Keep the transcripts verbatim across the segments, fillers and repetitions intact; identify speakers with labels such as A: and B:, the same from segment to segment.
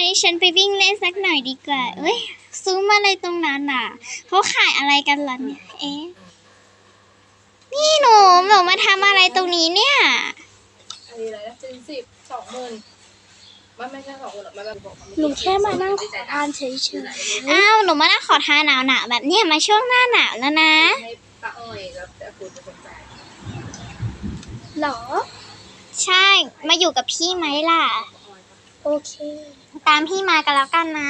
A: นี้ฉันไปวิ่งเล่นสักหน่อยดีกว่าเอ้ยซุ้มอะไรตรงนั้นน่ะเขาขายอะไรกันล่ะเนี่ยเอ๊ะนี่หนูหนูมาทำอะไรตรงนี้เนี่ย
B: อะไรนะซื้อสิบสองหมื่นมันไม่ใช่สองหมื่นหรอกมันแบบบอก
C: หนูแค่มานั่งขอทานเฉย
A: อ้าวหนูมานั่งขอทานหนาวหนาวแบบเนี้ยมาช่วงหน้าหนาวแล้วนะ
B: ให้ป้าอ้อยแล้วแต่คุณจะสนใจ
C: ๆหรอ
A: ใช่มาอยู่กับพี่ไหมล่ะ
C: โอเค
A: ตามพี่มากันแล้วกันนะ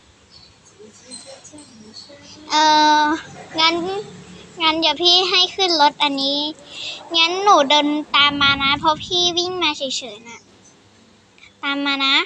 A: เอองั้นงั้นเดี๋ยวพี่ให้ขึ้นรถอันนี้งั้นหนูเดินตามมานะเพราะพี่วิ่งมาเฉยๆน่ะตามมานะ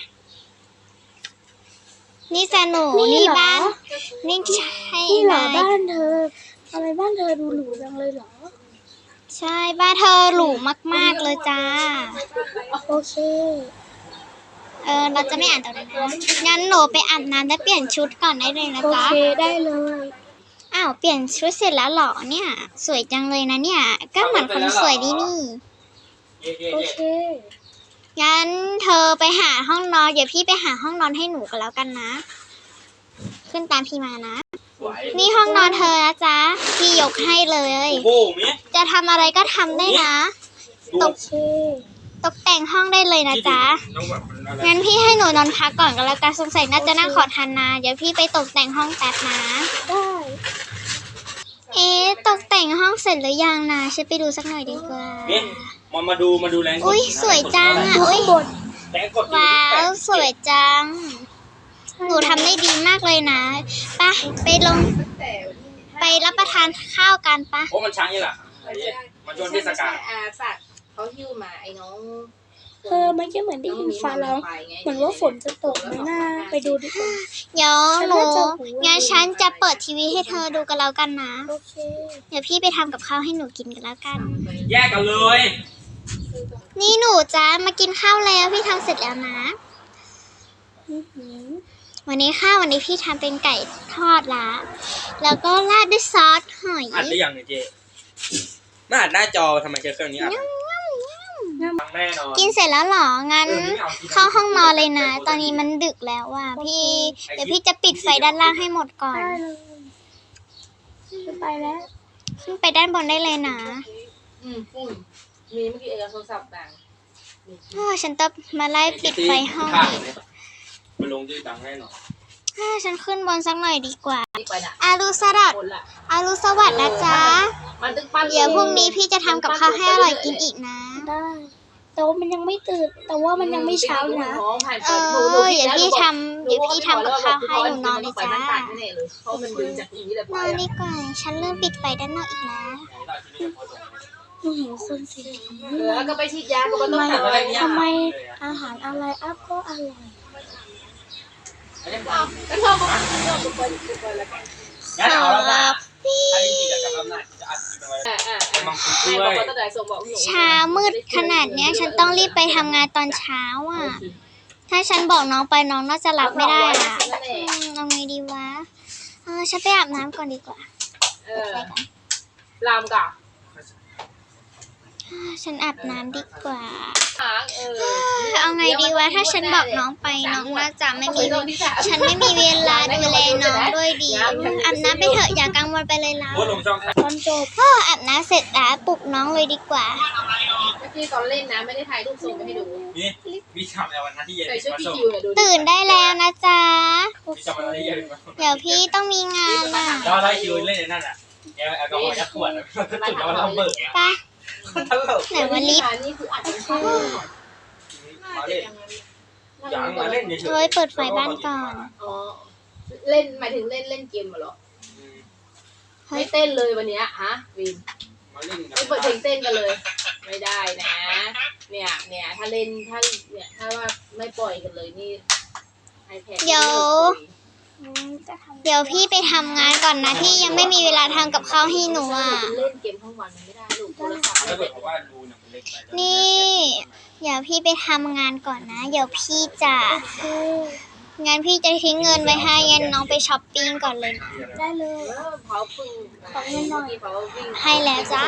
A: นี่จะหนูนี่บ้านนี่ใช่
C: นี่เหร
A: เล
C: อย บ้านเธอทำไมบ้านเธอดูหรูจังเลยเหรอ
A: ใช่บ้านเธอหรูมากๆเลยจ้า
C: โอเค
A: เออเราจะไม่อ่านตรงนั้นนะงั้นหนูไปอาบน้ำและเปลี่ยนชุดก่อนได้เลยนะ
C: โอ
A: จ๊ะ
C: เคได้เลย
A: อ้าวเปลี่ยนชุดเสร็จแล้วเหรอเนี่ยสวยจังเลยนะเนี่ยก็เหมือนคนสวยดีนี่
C: โอเค
A: งั้นเธอไปหาห้องนอนเดี๋ยวพี่ไปหาห้องนอนให้หนูกันแล้วกันนะ ขึ้นตามพี่มานะนี่ห้องนอนเธอนะจ๊ะพี่ยกให้เลย
D: โอ้โหมิ
A: จะทำอะไรก็ทำได้นะต
C: โอก เค
A: ตกแต่งห้องได้เลยนะจ๊ะงั้นพี่ให้หนูนอนพักก่อนก็แล้วกันสงสัยน่าจะนั่งขอทานนานเดี๋ยวพี่ไปตกแต่งห้องแป๊บนะ
C: ได้
A: เอ๊ะตกแต่งห้องเสร็จหรือยังนะฉันไปดูสักหน่อยดีกว่า
D: เนี่ยมามาดูมาดูแรงกด
A: อุ้ยสวยจังอ่ะ
C: ดู
A: อุ้ย
C: ข้างบน
D: แรงกด
A: ว้าวสวยจังหนูทำได้ดีมากเลยนะไปไปลง
B: แต่
A: ไปรับประทานข้าวกันปะ
D: โอ้มันช้างนี่แหละมันช่วงเทศกาล
B: อาฝากเขาหิ้วมาไอ้น้อง
C: เธอเมื่อกี้เหมือนได้ยินฟ้าร้องเหมือนว่าฝนจะตกไหมน่าไปดูดีกว่า
A: เดี๋ยวหนู
C: ฉันน่าจะหู
A: งั้นฉันจะเปิดทีวีให้เธอดูกันแล้วกันนะ
C: โอเค
A: เดี๋ยวพี่ไปทำกับข้าวให้หนูกินกันแล้วกัน
D: แยกกันเลย
A: นี่หนูจ้ามากินข้าวแล้วพี่ทำเสร็จแล้วนะ
C: อื้อหือ
A: วันนี้ข้าววันนี้พี่ทำเป็นไก่ทอดละแล้วก็ราดด้วยซอสหอย
D: อัดได้ยังเนี่ยเจ๊ไม่อัดหน้าจอทำไมใช้เครื่องนี้อัดฟังแน่นอน
A: กินเสร็จแล้วเหรองั้นเข้าห้องนอนเลยนะ ตอนนี้มันดึกแล้วว่ะพี่เดี๋ยวพี่จะปิดไฟด้านล่างให้หมดก่อน
C: ได้เลยจะไปแล้ว
A: ขึ้นไปด้านบนได้เลยนะ
B: อืมฝุ่นมีเมื่อกี้เอกโทรศัพท์ดัง
A: อ้อฉันต้องมาไล่ปิดไฟห้อง
D: มันลงด้วยตังแน่นอน
A: อ้อฉันขึ้นบนสักหน่อยดีกว่า
B: นี่ไปน่ะ
A: อารุสวัสดิ์
B: คนละ
A: อารุสวัสดิ์นะจ๊ะ
B: มันตึกปั้น
A: เดี๋ยวพรุ่งนี้พี่จะทำกับข้าวให้อร่อยกินอีกนะ
C: ได้ แต่ว่ามันยังไม่ตื่น แต่ว่ามันยังไม่เช้านะ
A: เออเดี๋ยวพี่ทำเดี๋ยวพี่ทำกับข้าวให้หนูนอนเลยจ้า
B: เพราะมันดึงจากตรงนี้เลย
A: นอนดีกว่า ฉันเริ่มปิดไฟด้านนอกอีกแล้ว
C: หนูเห็นคนสีผิว
B: เออก็ไปฉีดยาก็ไม่
C: ทำ
B: ต้อง
C: ไม
B: ทำอะไร
C: ทำไมอาหารอะไรอัพก็อร่อย
B: ก็ชอบก็ชอบทุกคนทุกคนแล้วกัน
D: งั้นเอาแล้วนะ
A: พี่
D: ถ้าจริงๆกับกำลังจะอัดคลิปเอาไว้
B: อ่าอ่า
D: ไอ้มังคุด
B: ให้
D: ด้
B: บ
D: ว
B: อก
D: ย
B: ว่าตั้งแต่ส่งบอกหนู
A: เช้ามืดขนาดเนี้ย ฉันต้องรีบไปทำงานตอนเช้าอ่ะ ถ้าฉันบอกน้องไปน้องน่าจะรับไม่ได้อ่ะอืมเอาไงดีวะเออฉันไปอาบน้ำก่อนดีกว่า
B: เออลามกับ
A: ฉันอาบน้ำดีกว่า
B: หางเออ
A: เอาไงดีวะ ถ้าฉันบอกน้องไปน้องน่าจะไม่มี ฉันไม่มีเวลาดูแลน้องด้วยดี อาบน้ำไปเถอะอย่ากังวลไปเลยล่ะ
D: โพสต์ลงช่องทาง
C: ตอนจบ
A: พ่ออาบน้ำเสร็จแล้วปลุกน้องเลยดีกว่า
B: เมื่อกี้ตอนเล่นนะไม่ได้ถ่ายรูปส่งไปให้ดู
D: นี่วิชาในวันนั้นที่เย็น
B: ใส่ชุด
D: มา
B: พี่
D: ส่ง
B: คิวเนี่ยดู
A: ตื่นได้แล้วนะจ๊ะ
D: วิชาวันนั้นที่เย็นมาส่ง
A: เดี๋ยวพี่ต้องมีงานอ่ะ
D: แล้วไล่คิวเล่นในนั่นอ่ะแอลแอลกอฮอล์ยัดขวดแล้วจุดแล้วเราเบิก
A: ไป
D: ตลก
A: ไหนวันลิฟต์
B: นี่คืออัดข้าว
D: มาเล่นยังมาเล่นเฉย
A: โอ้ยเปิดไฟบ้านก่อน
B: อ๋อเล่นหมายถึงเล่นเล่นเกมเหรอไม่เต้นเลยวันนี้ฮะวิน
D: มาเล่น
B: ไม่เปิดเพลงเต้นกันเลย ไม่ได้นะ เนี่ยเนี่ยถ้าเล่นถ้าเนี่ยถ้าว่าไม่ปล่อยกันเลยนี่ไอแพด
A: เดี๋ยว เดี๋ยวพี่ไปทำงานก่อนนะพี่ยังไม่มีเวลาทำกับข้าวให้หนูอ่ะ
B: เล่นเกมทั้งวันมันไม่ได้ลูกโทรศัพท์
D: ถ้าเกิดว่าดูเนี่ยมันเล็กไป
A: นี่ เดี๋ยวพี่ไปทำงานก่อนนะ เดี๋ยวพี่จะงั้นพี่จะทิ้งเงินไว้ให้งั้นน้องไปช้อปปิ้งก่อนเลยนะ
C: ได้เลย
B: เออเขาพึ่งของเงินหน่อยเขาวิ่ง
A: ให้แล้วจ้า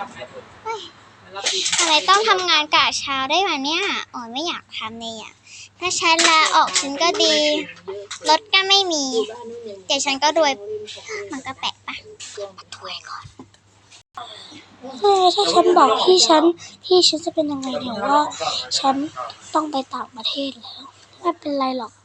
A: อะไรต้องทำงานกะเช้าได้ไหมเนี่ยอ๋อไม่อยากทำเลยอ่ะถ้าฉันลาออกฉันก็ดี รถก็ไม่มี เดี๋ยวฉันก็รวย มันก็แปลกปะถ้วยก่อน
C: เออถ้าฉันบอกที่ฉันที่ฉันจะเป็นยังไงเดี๋ยวว่า ฉันต้องไปต่างประเทศแล้วไม่เป็นไรหรอก